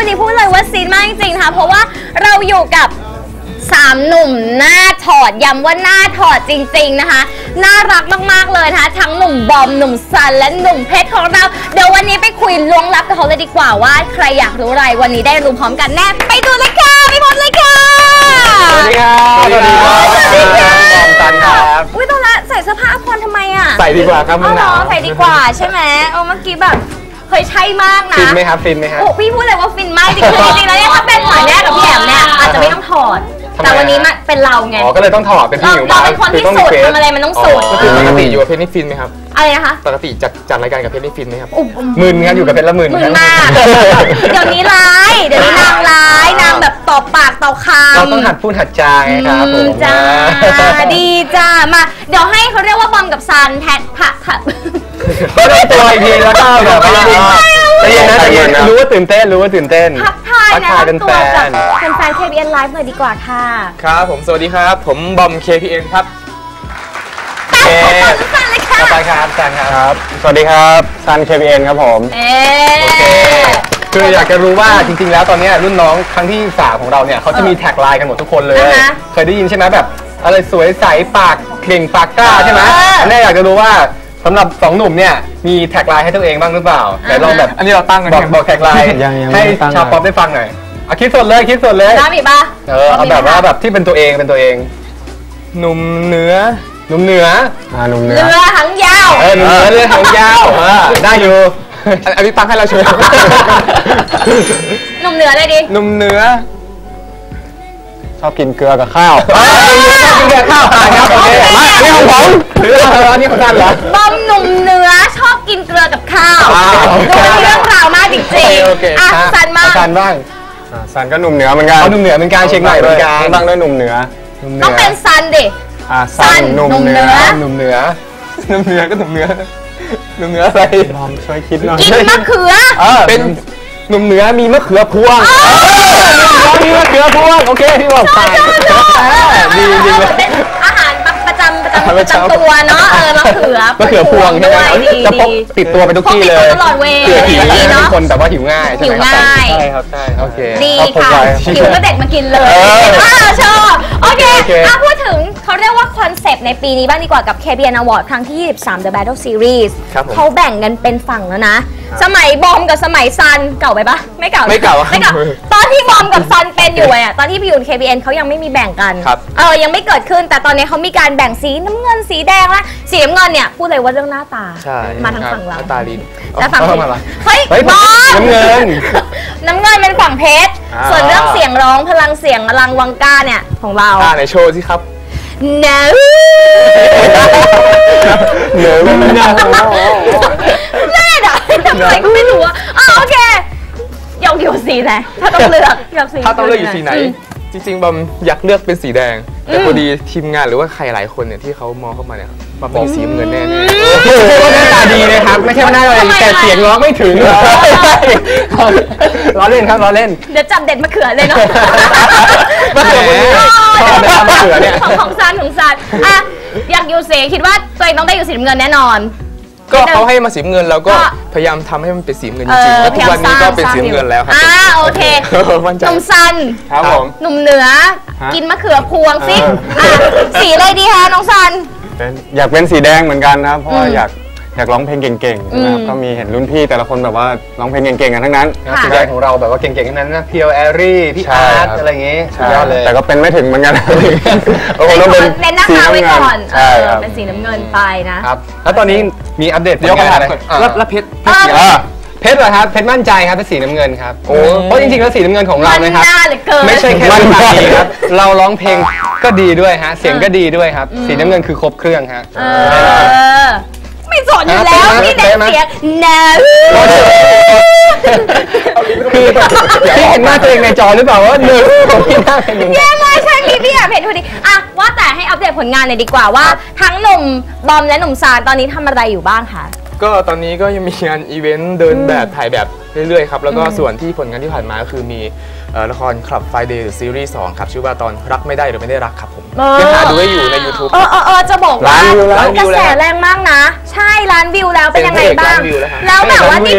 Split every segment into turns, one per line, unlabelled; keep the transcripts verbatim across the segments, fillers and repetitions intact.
วันนี้พูดเลยว่าซีนมากจริงๆค่ะเพราะว่าเราอยู่กับสามหนุ่มหน้าถอดย้ำว่าหน้าถอดจริงๆนะคะน่ารักมากๆเลยนะคะทั้งหนุ่มบอมหนุ่มซันและหนุ่มเพชรของเราเดี๋ยววันนี้ไปคุยล้วงลับกับเขาเลยดีกว่าว่าใครอยากรู้อะไรวันนี้ได้รู้พร้อมกันแน่ไปดูเลยค่ะไปพบเลยค่ะ
สวัสดีครับสวัสดีครับสวัสดีครับบอมซันครับ
อุ้ยตอนละใส่เสื้อผ้าพรทำไมอ่ะ
ใส่ดีกว่าครับ
มันหนาวใส่ดีกว่าใช่ไหมเออเมื่อกี้แบบเคยใช่มากนะ
ฟินไหมครับฟินไหมครับ
โอ้พี่พูดเลยว่าฟินมากจริงๆจริงๆแล้วเนี่ยถ้าเป็นหมายแรกกับพี่แอมเนี่ยอาจจะไม่ต้องถอดแต่วันนี้มันเป็นเราไง
อ๋อก็เลยต้องถอดเป็นพี่หมิว
เราเป็นคนที่สุดทำอะไรมันต้องสุด
ก็คือปกติอยู่กับเพชรนี่ฟินไหมครับ
อะไรนะคะ
ปกติจัดจัดรายการกับเพชรนี่ฟินไหมครับมึนครับอยู่กับเพชรละมึน
มึนมากเดี๋ยวนี้ร้ายเดี๋ยวนี้นางร้ายนางแบบต่อปากต่อคำ
เราต้องหัดพูดหัดจาไงครับผม
จ้าดีจ้ามาเดี๋ยวให้เขาเรียกว่าบอมกับซันแทนผักค่ะ
ก็ได้ตัวอีกทีแล้วก็แบบว่าใจเย็นนะใจเย็นนะรู้ว่าตื่นเต้นรู้ว่าตื่นเต้น
ทักทายนะ
เป็นแฟน
เป็นแฟน เค พี เอ็น Live หน่อยดีกว่าค่ะ
ครับผมสวัสดีครับผมบอม เค พี เอ็น ครับ
โอเคซันเลยค่ะ
ต่อไปครับซันครับสวัสดีครับซัน เค พี เอ็น ครับผม
เอ๊
โอเคคืออยากจะรู้ว่าจริงๆแล้วตอนนี้รุ่นน้องครั้งที่สามของเราเนี่ยเขาจะมีแท็กไลน์กันหมดทุกคนเลยเคยได้ยินใช่ไหมแบบอะไรสวยใสปากเก่งปากกล้าใช่ไหมอันนี้อยากจะรู้ว่าสำหรับสองหนุ่มเนี่ยมีแท็กไลน์ให้ตัวเองบ้างหรือเปล่าแต่ลองแบบ
อันนี้เราตั้งกัน
บอกบอกแท็กไลน์ให้ชาวป๊อปได้ฟังหน่อยเอาคิดสดเลยคิดสดเลย
ได้ไหมป่ะ
เออเอาแบบว่าแบบที่เป็นตัวเองเป็นตัวเองหนุ่มเหนือหนุ่มเหนืออ่าหนุ่มเหนือ
เรือหางยาว
เออหนุ่มเหนือเรือหางยาวได้อยู่อันนี้ตั้งให้เราช่วย
หนุ่มเหนือเลยดิ
หนุ่มเหนือชอบกินเกลือกับข้าวชอบกินเกลือข้าวครับโอเคมาอันนี้ของผมหรืออันนี้ของท่านเหรอบ
อมหนุ่มเหนือชอบกินเกลือกับข้าวดูเรื่องราวมากจริงๆอ่ะซันบ้าง
ซันบ้าง
ซันก็หนุ่มเหนือเหมือนกัน
หนุ่มเหนือเหมือนกันเชียงใหม่เหมือนกัน
บ้างด้วยหนุ่มเหนือ
ต้องเป็นซันดิ
ซันหนุ่มเหนือ
หนุ่มเหนือหนุ่มเหนือก็หนุ่มเหนือหนุ่มเหนืออะไร
ลองช่วยคิดหน่อย
กินมะเขือ
เป็นหนุ่มเหนือมีมะเขือพวงมีมะเขือพวงโอเคที่บอกไปดีจริงเลย
เป็นอาหารประจำประจำประจำตัวเนาะเออมะเขือ
มะเขือพวงใช่ไหมจะพกติดตัวไปทุกที่เลย
ตลอดเวลา
หิวเนาะคนแต่ว่าหิวง่าย
หิวง่าย
ใช่ครับใช่โอเค
ดีค่ะหิวก็เด็ดมากินเลยชอบโอเคอ่ะพูดถึงเขาเรียกว่าคอนเซปต์ในปีนี้บ้างดีกว่ากับ เค พี เอ็น Award ครั้งที่ยี่สิบสาม The Battle Series เขาแบ่งกันเป็นฝั่งแล้วนะสมัยบอมกับสมัยซันเก่าไปปะไม่เก่า
ไม่เก่า
ไม่เก่าตอนที่บอมกับซันเป็นอยู่อ่ะตอนที่พี่อยู่ เค พี เอ็น เขายังไม่มีแบ่งกันเออยังไม่เกิดขึ้นแต่ตอนนี้เขามีการแบ่งสีน้ำเงินสีแดงและสีน้ำเงินเนี่ยพูดเลยว่าเรื่องหน้าตามาทางฝั่งเรา
หน้าตาดี
แล้วฝั่งเฮ้ยบอม
น้ำเงิน
น้ำเงินเป็นฝั่งเพชรส่วนเรื่องเสียงร้องพลังเสียงอลังวังก้าเนี่ยของเรา
อ่าในโชว์สิครับ
เนอ
เนอไม่น่า
แม่ด่าทำไมก็ไม่รู้อ่ะโอเคอยากอยู่สีไหนถ้าต้องเลือกอยากสี
ถ้าต้องเลือกอยู่สีไหนจริงๆบอมอยากเลือกเป็นสีแดงแต่พอดีทีมงานหรือว่าใครหลายคนเนี่ยที่เขามองเข้ามาเนี่ยมาเป็นสีเงินแน่ๆไม่ใช่ว่าหน้าตาดีนะครับไม่ใช่ว่าหน้าตาดีแต่เสียงร้องไม่ถึงล้อเล่นครับล้อเล่น
เดี๋ยวจับเด็ดมะเขือเลยเนาะ
มะเขือมะเขือเนี่ย
ของของซันของซันอ่ะอยากอยู่สีคิดว่าตัวเองต้องได้อยู่สีเงินแน่นอน
ก็เขาให้มาสีเงินเราก็พยายามทำให้มันเป็นสีเงินจริงๆแล้วทุกวันนี้ก็เป็นสีเงินแล้วครับ
อ่าโอเคหนุ่มซัน
ครับผม
หนุ่มเหนือกินมะเขือพวงสิสีอะไรดีคะน้องซัน
อยากเป็นสีแดงเหมือนกันครับเพราะอยากอยากร้องเพลงเก่งๆนะครับก็มีเห็นรุ่นพี่แต่ละคนแบบว่าร้องเพลงเก่งๆกันทั้งนั้น
สีแดงของเราแบบว่าเก่งๆทั้งนั้นนะเพียวแอรี่พี่อาร์ตอะไรอย่างงี้สุดยอดเลย
แต่ก็เป็นไม่ถึงเหมือนกัน
โอ้โหต้องเป็นเน้นหน้าตาไว้ก่อนเป็นสีน้ำเงินไปนะครับ
แล้วตอนนี้มีอัปเดต
เดี๋ยวกัน
แล้วเพชรเพชรเหรอครับเพชรมั่นใจครับเป็นสีน้ำเงินครับโอ้เพราะจริงๆแล้วสีน้ำเงินของเรานะครับไม่ใช่แค่มั่นใจครับเราร้องเพลงก็ดีด้วยฮะเสียงก็ดีด้วยครับสีน้ำเงินคือครบเครื่องฮะ
ไม่สนอยู่แล้วพี่เด็กเสียงเนอ
คือพี่เห็นหน้าตัวเองในจอหรือเปล่าว่าเนื้อของพี่หน้าเป็นยังไง
แย่มากใช่พี่พี่อยากเห็นพอดีอ่ะว่าแต่ให้อัปเดตผลงานเลยดีกว่าว่าทั้งหนุ่มบอมและหนุ่มซานตอนนี้ทำอะไรอยู่บ้างคะ
ก็ตอนนี้ก็ยังมีงานอีเวนต์เดินแบบถ่ายแบบเรื่อยๆครับแล้วก็ส่วนที่ผลงานที่ผ่านมาก็คือมีละครคลับไฟเดย์ซีรีส์สองครับชื่อว่าตอนรักไม่ได้หรือไม่ได้รักครับผมยังหาดูได้อยู่ใน ยูทูบ
เออเออจะบอกว่ากระแสแรงมากนะใช่ล้านวิวแล้วเป็นยังไงบ้างแล้วแบบว่านี่เป็นการ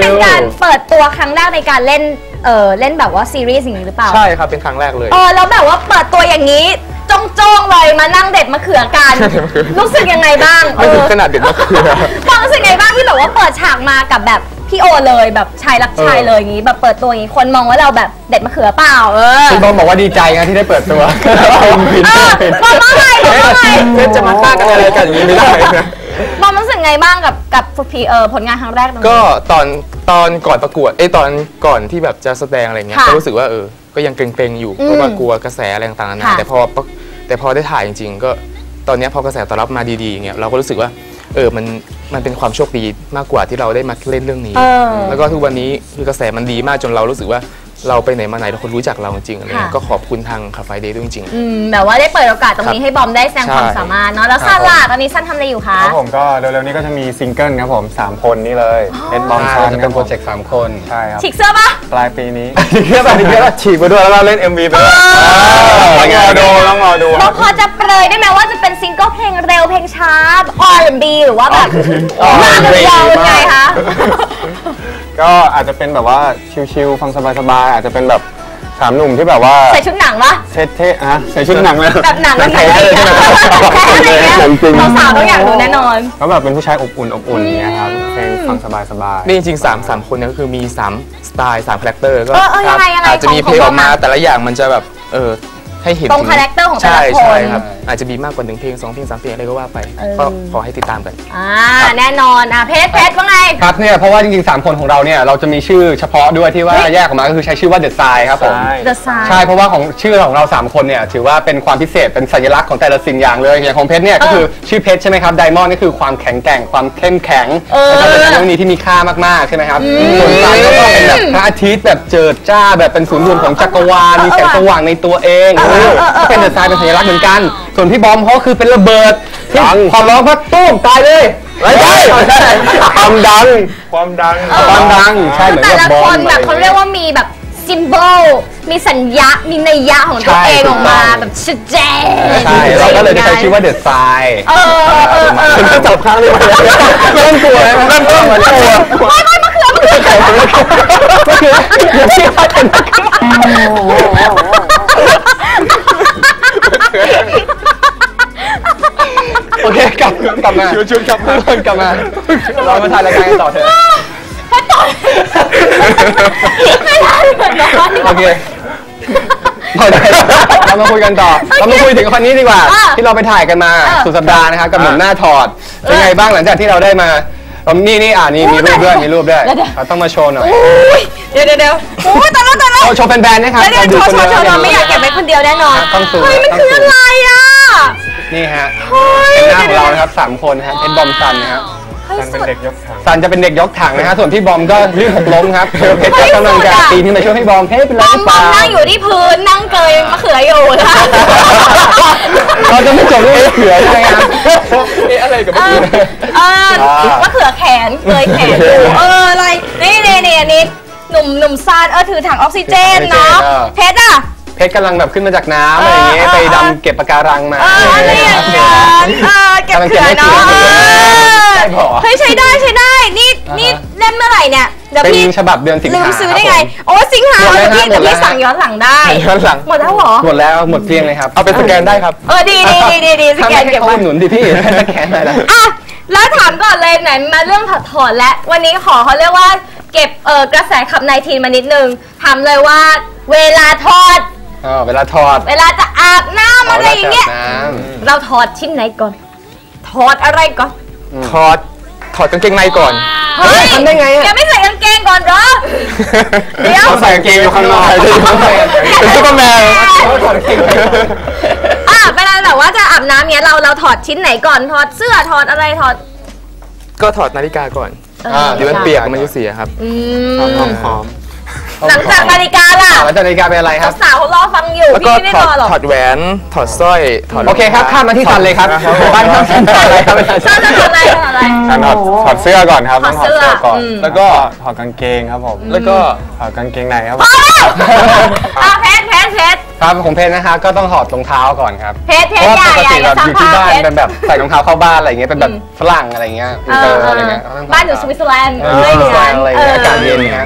อนเปิดตัวครั้งแรกในการเล่นเออเล่นแบบว่าซีรีส์อย่างนี้หรือเปล่า
ใช่ครับเป็นครั้งแรกเลย
เออแล้วแบบว่าเปิดตัวอย่างนี้จ้องๆเลยมานั่งเด็ดมะเขือกันรู้สึกยังไงบ้าง
ไม่ถึงขนาดเด็ดมะเขือ
ฟังรู้สึกยังไงบ้างที่แบบว่าเปิดฉากมากับแบบพี่โอเลยแบบชายรักชายเลยอย่างนี้แบบเปิดตัวอย่างนี้คนมองว่าเราแบบเด็ดมะเขือเปล่าเออ
คุณบอมบอกว่าดีใจนะที่ได้เปิดตัว
บอมว่าไงบอมว่าไง
เล่นจะมาฆ่ากันอะไรกันอย่างนี้ไม่ได้นะ
บอมรู้สึกไงบ้างกับกับพีเออผลงานครั้งแรก
ก็ตอนตอนก่อนประกวดเอ้ตอนก่อนที่แบบจะแสดงอะไรเงี้ยก็รู้สึกว่าเออก็ยังเกรงๆอยู่เพราะว่ากลัวกระแสอะไรต่างๆนะแต่พอแต่พอได้ถ่ายจริงๆก็ตอนนี้พอกระแสตอบรับมาดีๆอย่างเงี้ยเราก็รู้สึกว่าเออมันมันเป็นความโชคดีมากกว่าที่เราได้มาเล่นเรื่องนี้แล้วก็ทุกวันนี้คือกระแสมันดีมากจนเรารู้สึกว่าเราไปไหนมาไหนทุกคนรู้จักเราจริงๆอะไรเงี้ยก็ขอบคุณทางคาเฟ่เดย์ด้วยจริง
ๆแบบว่าได้เปิดโอกาสตรงนี้ให้บอมได้แสดงความสามารถเนาะแล้วซันล่ะตอนนี้ซันทำอะไรอยู่คะ
ครับผมก็เร็วๆนี้ก็จะมีซิงเกิลครับผมสามคนนี่เลยเอ็ดบอมซัน
เป็นโปรเจกต์สามคน
ใช่ครับ
ฉีกเสื้อปะ
ปลายปีนี้ฉีกเสื้อปะฉีกเสื้อฉีกไปด้วยแล้วเราเล่น เอ็ม วี ไปด้วยต้องรอดูต้องรอดู
เราพอจะเปรยได้ไหมว่าจะเป็นซิงเกิลเพลงเร็วเพลงช้า อาร์ แอนด์ บี หรือว่าแบบมากเลยยังไงคะ
ก็อาจจะเป็นแบบว่าชิลๆฟังสบายๆอาจจะเป็นแบบสามหนุ่มที่แบบว่า
ใส่ชุดหนังปะ
เท่ๆอะใส่ชุดหนังเลย
แบบหนังแบบไทยเลยใช่ไหมเราสาวต้องอยากดูแน่นอน
ก็แบบเป็นผู้ชายอบอุ่นอบอุ่นอย่างเงี้ยครับเพลงฟังสบายๆ
นี่จริงๆสามสามคนเนี่ยก็คือมีสามสไตล์สามคาแรคเตอร์ก็
อา
จจะมีเพลงออกมาแต่ละอย่างมันจะแบบเออให้เห็น
ตรงคาแรคเตอร์ของแต่ละคน
ใช่ครับอาจจะมีมากกว่าหนึ่งเพลงสองเพลงสามเพลงอะไรก็ว่าไปก็ขอให้ติดตามกัน
อ่าแน่นอนอ่ะเพชรเพชรว่าไง
ครับเนี่ยเพราะว่าจริงๆสามคนของเราเนี่ยเราจะมีชื่อเฉพาะด้วยที่ว่าแยกออกมาก็คือใช้ชื่อว่า The Sign ครับผม
The Sign
ใช่เพราะว่าของชื่อของเราสามคนเนี่ยถือว่าเป็นความพิเศษเป็นสัญลักษณ์ของแต่ละสิ่งอย่างเลยอย่างของเพชรเนี่ยก็คือชื่อเพชรใช่ไหมครับไดมอนด์นี่คือความแข็งแกร่งความเข้มแข็งนะครับเป็นเรื่องนี้ที่มีค่ามากๆใช่ไหมครับส่วนซันก็เป็นแบบพระอาทิตย์แบบเจิดจ้าแบบเป็นศูนย์รวมของจักรวาลมีแสงสว่างในตัวเองก็เป็น The Sign เป็นสัญลักษณ์เหมือนกันส่วนพี่บอมเขาคือเป็นระเบิดที่ความร้องพัดตุ้มตายเลย
ไม่ใช่ความดังความดัง
ความดังใช่เหมือน
แต่
ละ
คนแบบเขาเรียกว่ามีแบบซิมโบลมีสัญญามีนัยยะของตัวเองออกมาแบบชัดเจน
ใช่เราก็เลยได้ใช้ชื่อว่าเดอะไซน์
เออเออเออ
จับข้างเลยเริ่มกลัวเริ่มกลัวเริ่มกลัว
ไม่ไม่มะเขือมะเขือ
มะเขืออย่าพี่เขาเป็นโอเคกลับกลับมา
ชวนกลับม
ากลับมาเรามาถ่ายรายการกันต่อเถอะ
ไม่ได้เหมือนกัน
โอเคเรามาคุยกันต่อเรามาคุยถึงคนนี้ดีกว่าที่เราไปถ่ายกันมาสุดสัปดาห์นะครับกับหนุ่มหน้าถอดเป็นไงบ้างหลังจากที่เราได้มานี่นี่อ่านี่มีรูปด้วยมีรูปด้วยเราต้องมาโชว์หน่อย
เดี๋ยวเดี๋ยวเดี๋ยวโอ้ยตายแล้วตายแล้ว
โชว์แฟนๆนะครับ
เดี๋ยวโชว์โชว์โชว์ไม่อยากเก็บไว้คนเดียวแน่นอนเฮ้ยมันคืออะไรอ่ะ
นี่ฮะเป็นหน้าของเรานะครับสามคนครับเพชรบอมซันนะครับ
ซันเป็นเด็กยกถัง
ซันจะเป็นเด็กยกถังนะฮะส่วนพี่บอมก็ลื่นหกล้มครับเพชรก็กำลังจะปีนขึ้นมาช่วยพี่บอมเพชรเป็นไรหรือเปล่า
นั่งอยู่ที่พื้นนั่งเกยมะเขืออยู่นะ
เราจะไม่จบด้วยมะเขือใช่ไหมครับ
เอ๊ะอะไรกับมะเขือ
เออมะเขือแขนเกยแขนอยู่เอออะไรนี่นี่นี่อันนี้หนุ่มหนุ่มซันเออถือถังออกซิเจนเนาะเพชรอ่ะ
เพชรกำลังแบบขึ้นมาจากน้ำอะไรอย่างเงี้ยไปดำเก็บปะการังมา
อะไรอย่างเงี้ยเก็บเขือเนาะเฮ้ยใช้ได้ใช้ได้นี่นี่เล่มเมื่อไหร่เนี่ย
เดี๋ยวพี่ฉบับเดือนสิงหา
ลืมซื้อได้ไงโอ้สิงหาพี่แต่พี่สั่งย้อนหลังได้
ย้อนหลัง
หมดแล้วเหรอ
หมดแล้วหมดเพียงเลยครับ
เอาไปสแกนได้ครับ
เออดีดีดีดีสแกนเก็บไว้
หนุนดิพี่สแกนอะไรล่ะ
อ่ะแล้วถามก่อนเลยไหนมาเรื่องถอดถอดและวันนี้ขอเขาเรียกว่าเก็บเออกระแสขับไนทีนมานิดนึงถามเลยว่าเวลาถอด
อ๋อเวลาถอด
เวลาจะอาบน้ำอะไรอย่างเงี้ยเราถอดชิ้นไหนก่อนถอดอะไรก่อน
ถอดถอดกางเกงในก่อน
เฮ้ยทำได้ไงอ่ะแกไม่ใส่กางเกงก่อนเหรอ
เดี๋ยวใส่กางเกงอยู่ข้างนอกเป็นซุปเปอร์แมนถอดกางเกง
อ่ะเวลาแบบว่าจะอาบน้ำเนี้ยเราเราถอดชิ้นไหนก่อนถอดเสื้อถอดอะไรถอด
ก็ถอดนาฬิกาก่อนเดี๋ยวมันเปียกมันจะเสียครับ
หอมหอม
หลังจากนาฬิกาล่ะ
หลังจากนาฬิกาเป็นอะไรครับ
สาวรอฟังอยู่พี่ไม่ได้รอหรอก
ถอดแหวนถอดสร้อยถอด
โอเคครับข้ามมาที่ซันเลยครับบ้านซันถอดอะไรครับ
ซันถอดอะไรถอดอะไร
ซันถอดถอดเสื้อก่อนครับต้องถอดเสื้อก่อนแล้วก็ถอดกางเกงครับผม
แล้วก็
ถอดกางเกงในครับ
อ่ะเพชรเพชรเพชร
ครับของเพชรนะครับก็ต้องถอดรองเท้าก่อนครับ
เพชรเพชรใหญ่ใหญ่
แบบอยู่ที่บ้านเป็นแบบใส่รองเท้าเข้าบ้านอะไรเงี้ยเป็นแบบฝรั่งอะไรเงี้ยอะไรเงี้ย
บ้านอยู่สวิตเซอร์แลนด์
อะไรเงี้ยอากาศเย็นนะ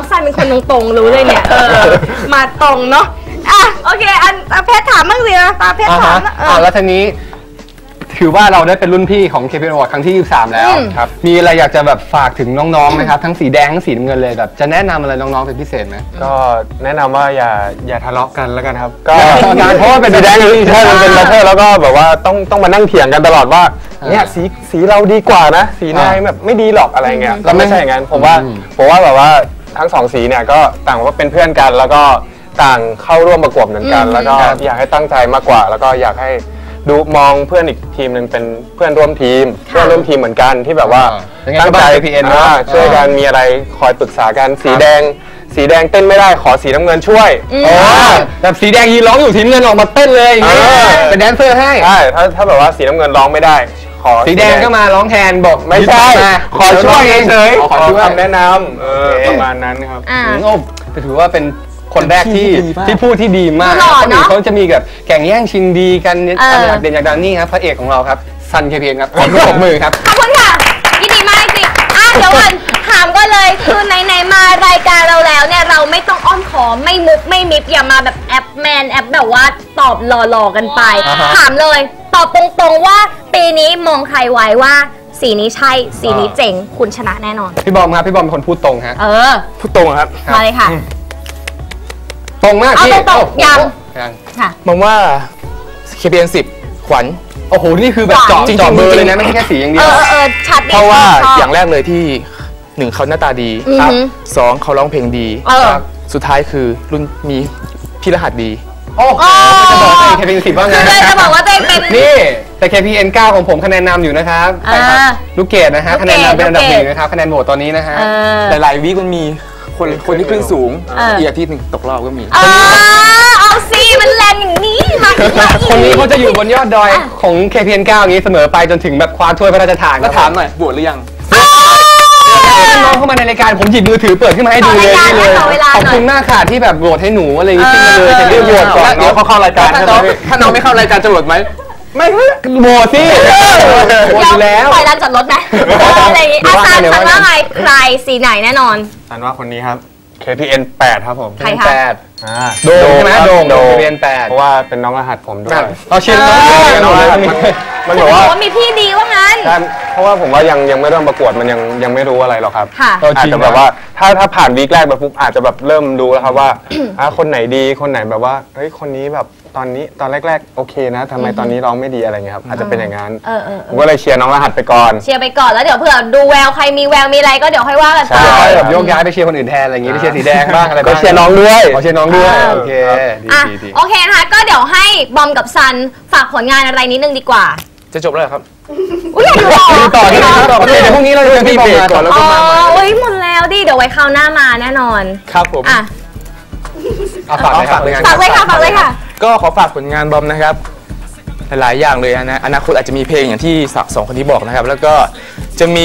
องซันเป็นคนตรงๆรู้เลยเนี่ยเออมาตรงเนาะอ่ะโอเคอันเพชรถามบ้างสินะตาเพชรถามนะเอ
อ่า
อ
แล้วทีนี้ถือว่าเราได้เป็นรุ่นพี่ของ เค พี เอ็น Award ครั้งที่ยี่สิบสามแล้ว
อืม
ครับมีอะไรอยากจะแบบฝากถึงน้องๆไหมครับทั้งสีแดงทั้งสีน้ำเงินเลยแบบจะแนะนำอะไรน้องๆเป็นพิเศษไหม
ก็แนะนำว่าอย่าอย่าทะเลาะกันแล้วกันครับ ก็
อย่าทะเลาะกันเพราะว่าเป็น
สีแดงใช่มันเป็นแรปเปอร์แล้วก็แบบว่าต้องต้องมานั่งเถียงกันตลอดว่าเนี่ยสีสีเราดีกว่านะสีนายแบบไม่ดีหรอกอะไรเงี้ยเราไม่ใช่อย่างนั้นผมว่าผมว่าแบบว่าทั้งสองสีเนี่ยก็ต่างว่าเป็นเพื่อนกันแล้วก็ต่างเข้าร่วมประกวดเหมือนกัน แล้วก็อยากให้ตั้งใจมากกว่า แล้วก็อยากให้ดูมองเพื่อนอีกทีมหนึ่งเป็นเพื่อนร่วมทีมเพื่อนร่วมทีมเหมือนกันที่แบบว่าตั้งใจ
เค พี เอ็น เนอะ
อ่าช่วยกันมีอะไรคอยปรึกษากันสีแดงสีแดงเต้นไม่ได้ขอสีน้ำเงินช่วย
อ๋อแบบสีแดงยืนร้องอยู่สีน้ำเงินออกมาเต้นเลยอย่างเงี้ย
เออ
เป็นแดนเซอร์ให้
ใช่ถ้าถ้าแบบว่าสีน้ำเงินร้องไม่ได้ขอ
สีแดงก็มาร้องแทนบอก
ไม่ใช่
มา
ขอช่วยเฉย
ขอช่วย
คำแนะนำเออประมาณนั้นครับ
อ่า
อืมโอ้แต่ถือว่าเป็นคนแรกที่ที่พูดที่ดีมาก
หล่อ
คนอื่
เนอะ
เขาจะมีแบบแข่งแย่งชิงดีกัน
เออ
อะไรอยากเด่นอยากดังนี่ครับพระเอกของเราครับซัน เค พี เอ็น ครับขอปรบมือครับ
ขอบคุณค่ะยินดีมากจริงอ่ะเดี๋ยวก่อนถามก็เลยคือไหนๆมารายการเราแล้วเนี่ยเราไม่ต้องอ้อมขอมไม่มุกไม่มิบอย่ามาแบบแอปแมนแอปแบบว่าตอบหล่อๆกันไป
อ่าฮะ
ถามเลยตอบตรงๆว่าปีนี้มองใครไว้ว่าสีนี้ใช่สีนี้เจ๋งคุณชนะแน่นอน
พี่บอมครับพี่บอมเป็นคนพูดตรงฮะ
เออ
พูดตรงครับ
มาเลยค่ะ
ตรงมาก
เอา
พี่
ตรงๆ
โอ้โห
ยัง
ยัง
ค่ะ
มองว่า เค พี เอ็น สิบขวัญ
โอ้โหนี่คือแบบเจาะ
จริงๆ
เจาะเบอร์เลยนะไม่ใช่แค่สีอย่างเดี
เอ
ยว
อเออเออชัดดี
เพราะว่า
ชบ
อย่างแรกเลยที่หนึ่งเขาหน้าตาดี
อือหือ
สองเขาร้องเพลงดี
เออ
สุดท้ายคือรุ่นมีพี่รหัสดี
โอ้โห
อ๋อ
จะบอกว่า เค พี เอ็น สิบว่าไง
คือเลยจะบอกว่าตัวเองเป็น
นี่แต่ เค พี เอ็น เก้าของผมคะแนนนำอยู่นะครับ
อ่า
ใช่ครับลูกเกดนะฮะ
ลูกเกด
คะแนนนำเป็นอันดับ
ลูก
ห
เกด
นึ่งนะครับคะแนนโหวตตอนนี้นะฮะ
เออ
หลายๆวีคมันมีคนคนที่ขึ้นสูง
เอออี
อีกอาทิตย์หนึ่งตกรอบก็มี
เออเอาสิมันแรงอย่างนี้มาอีกมาอีก
คนนี้เขาจะอยู่บนยอดดอยของ เค พี เอ็น เก้าอย่างนี้เสมอไปจนถึงแบบคว้าถ้วยพระราชทาน
แล้วถามหน่อยบวชหรือยัง
น้องเข้ามาในรายการผมหยิบมือถือเปิดขึ้นมาให้ดูเลย
ขอ
นี่เลย
ขอเวลาหน่อย
ขอบคุณมากค่ะที่แบบโหวตให้หนูอะไรอย่างงี้ขึ้นมาเลยจะเรียกโหวตก่อน
เดี๋ยวเขาเข้ารายการ
ถ้า
ใช่ไหม
น้อง
ถ้าน้องไม่เข้ารายการจะบวชไหม
ไม่โหวตสิโหวตอยู่แล้ว
ปล่อยลานจอดรถไหมเอออะไรอย่างงี้อาจารย์คันว่าไงใครสีไหนแน่นอน
สันว่าคนนี้ครับ เค พี เอ็น แปดครับผม
ใครคะ
แปด
อ่า
โดมใช่ไหมโดม
โด
เค
ม
พี เอ็น แปด
เพราะว่าเป็นน้องรหัสผมด้วย
เราเชียร์น้อง
เออ
เชียร์น้องเลย
มันมัน
จะ
แบบ
บอ
ว่า
กว่ามีพี่ดีว่างั้น
ใช่เพราะว่าผมว่ายังยังไม่เริ่มประกวดมันยังยังไม่รู้อะไรหรอกครับ
ค่ะ
อาจจะแบบว่าถ้าถ้าผ่านวีคแรกไปปุ๊บอาจจะแบบเริ่มดูแล้วครับว่า อ่ะคนไหนดีคนไหนแบบว่าเฮ้ยคนนี้แบบตอนนี้ตอนแรกๆโอเคนะทำไมตอนนี้ร้องไม่ดีอะไรเงี้ยครับอาจจะเป็นอย่างนั้น
เออเออเอ
ผ
อ
มก็เลยเชียร์น้องรหัสไปก่อน
เชียร์ไปก่อนแล้วเดี๋ยวเผื่อดูแววใครมีแววมีอะไรก็เดี๋ยวค่อยว่ากันไป
ใช่
แบบโยกย้ายไปเชียร์คนอื่นแทนอะไรอย่างงี้ไปเชียร์สีแดงบ้างอะไรบ้าง
ก็เชียร์น้องด้วย
ขอเชียร์น้องด้วย
เออ
โอเคดี
อ่ะ
ดีดี
โอเคนะคะก็เดี๋ยวให้บอมกับซันฝากผลงานอะไรนิดนึงดีกว่า
จะจบแล้วเหรอครับ
อุ้ยอยากดูต่อ
ดูต่อที่ไหนต่อโอเคเดี๋ยวพรุ่งนี้เราจะมีเบรกก่อนแล้ว
อ๋
ก็
อ
มาใหม่
อุ้ยหมดแล้วดิเดี๋ยวไว้คราวหน้ามาแน่นอน
ครับผม
อ่ะ
เอาฝากเลยครับ
ฝากเลยค่ะฝากเลยค่ะ
ก็ขอฝากผลงานบอมนะครับ หลายๆอย่างเลยนะอนาคตอาจจะมีเพลงอย่างที่สองคนที่บอกนะครับ แล้วก็จะมี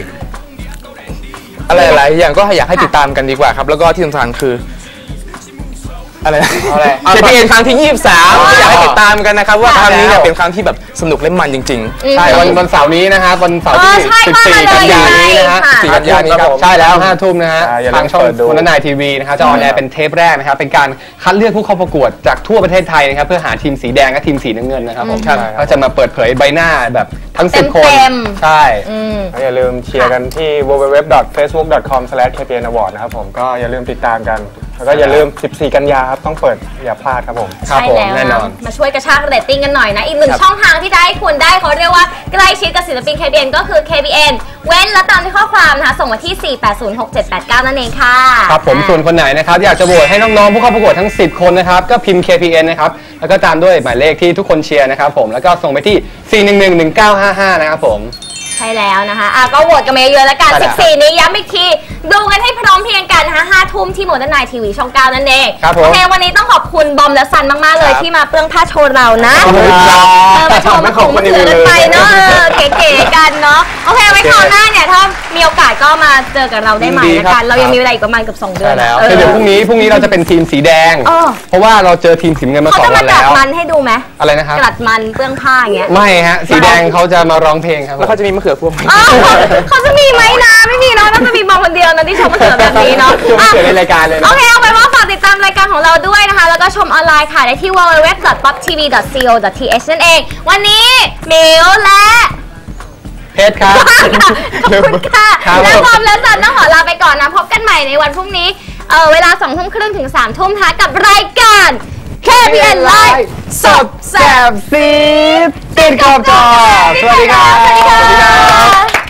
อะไรหลายๆอย่างก็อยากให้ติดตามกันดีกว่าครับ แล้วก็ที่สำคัญคืออะไรนะ
อะไร
เค พี เอ็น ครั้งที่ยี่สิบสามก็อยากให้ติดตามกันนะครับว่าครั้งนี้เนี่ยเป็นครั้งที่แบบสนุกและมันจริง
ใช่วันวันเสาร์นี้นะครับวันเสาร์ที่
เออใช่
สิบสี่
ว่ามา
กันยายนนี้นะฮะ
เลยค่ะ
สี่กันยายนนี้ครับใช่แล้วห้าทุ่มนะฮะ
อ่าอย่าลืม
ทางช่อง
เปิดดู
วันนายทีวีนะครับจะออนแอร์เป็นเทปแรกนะครับเป็นการคัดเลือกผู้เข้าประกวดจากทั่วประเทศไทยนะครับเพื่อหาทีมสีแดงและทีมสีน้ำเงินนะครับผม
ครับ
ก็จะมาเปิดเผยใบหน้าแบบทั้งสิบคน
เต็ม
ใช่
อืม
อย่าลืมเชียร์กันที่ ดับเบิลยู ดับเบิลยู ดับเบิลยู ดอท เฟซบุ๊ก ดอท คอม สแลช เค พี เอ็น อวอร์ด นะครับผมก็อย่าลืมติดตามกัน แล้วก็อย่าลืม สิบสี่ กันยาครับต้องเปิดอย่าพลาดครับผม
ครับ
ใช่
ผม
แล้ว
แน่นอน
มาช่วยกระชากเรตติ้งกันหน่อยนะ อีกหนึ่งช่องทางที่จะให้คุณได้เขาเรียกว่าใกล้ชิดกับศิลปิน เค พี เอ็น ก็คือ เค พี เอ็น เว้นและตามที่ข้อความนะคะ ส่งมาที่ สี่ แปด ศูนย์ หก เจ็ด แปด เก้า นั่นเองค่ะ
ครับผมส่วนคนไหนนะครับอยากจะโหวตให้น้องๆผู้เข้าประกวดทั้งสิบคนนะครับก็พิมพ์ เค พี เอ็น นะครับแล้วก็ตามด้วยหมายเลขที่ทุกคนเชียร์นะครับผมแล้วก็ส่งไปที่ สี่ หนึ่ง หนึ่ง หนึ่ง เก้า ห้า ห้า นะครับผม
ใช่แล้วนะคะอ่ะก็โหวตกันมาเยอะๆแล้วกัน
ใช่แล้ว
สิบสี่ นี้ย้ำอีกที ดูกันให้พร้อมเพรียงกันนะคะห้าทุ่มที่โมเดิร์นไนท์ทีวีช่องเก้านั่นเอง
ครับผม
โอเควันนี้ต้องขอบคุณบอมและซันมากๆเลยที่มาเปลื้องผ้าโชว์เรานะ
ขอบคุณครับ
เออมาโชว์มาข่มมาเถือกันไปเนาะเออเก๋ๆกันเนาะโอเคไว้คราวหน้าเนี่ยถ้ามีโอกาสก็มาเจอกับเราได้ใหม่ละกันเรายังมีเวลาอีกประมาณเกือบสองเดือน
ใช่แล้ว
เออ
เดี๋ยวพรุ่งนี้พรุ่งนี้เราจะเป็นทีมสีแดง
เออ
เพราะว่าเราเจอทีมสีน้ำเงินมา
เขา
สอง
จะ
วั
มาน ก
แล้
ลัด
ว
มันให้ดูไหม
อะไรนะครับ
กลัดมันเปลื้องผ้าอย่างเงี้ย
ไม่ฮะสีแดงเขาจะมาร้องเพลงครับ
แล้วเขาจะมีมะเขือพวงไหม
อ้าวเขาจะมีไหมนะไม่มีเนาะน่าจะมีบอมคนเดียวนะที่ชมมาเถือแบบนี้เนาะ
ชมมาเถือใน
อ่ะ
รายการเลยนะ
โอเคเอาไปนว่าฝากติดตามรายการของเราด้วยนะคะ แล้วก็ชมออนไลน์ค่ะได้ที่ ดับเบิลยู ดับเบิลยู ดับเบิลยู ดอท ป๊อป ที วี ดอท ซี โอ ดอท ที เอช นั่นเอง วันนี้มิวและ
เพชรครับ
ขอบคุณค่ะ
ครับ
และบอมและสันต้องขอลาไปก่อนนะ พบกันใหม่ในวันพรุ่งนี้เออเวลาสองทุ่มครึ่งถึงสามทุ่มนะคะกับรายการ เค พี เอ็น Live
สดแสบซีดติดขอบจอสวัสดีครับ
สวัสดีค่ะ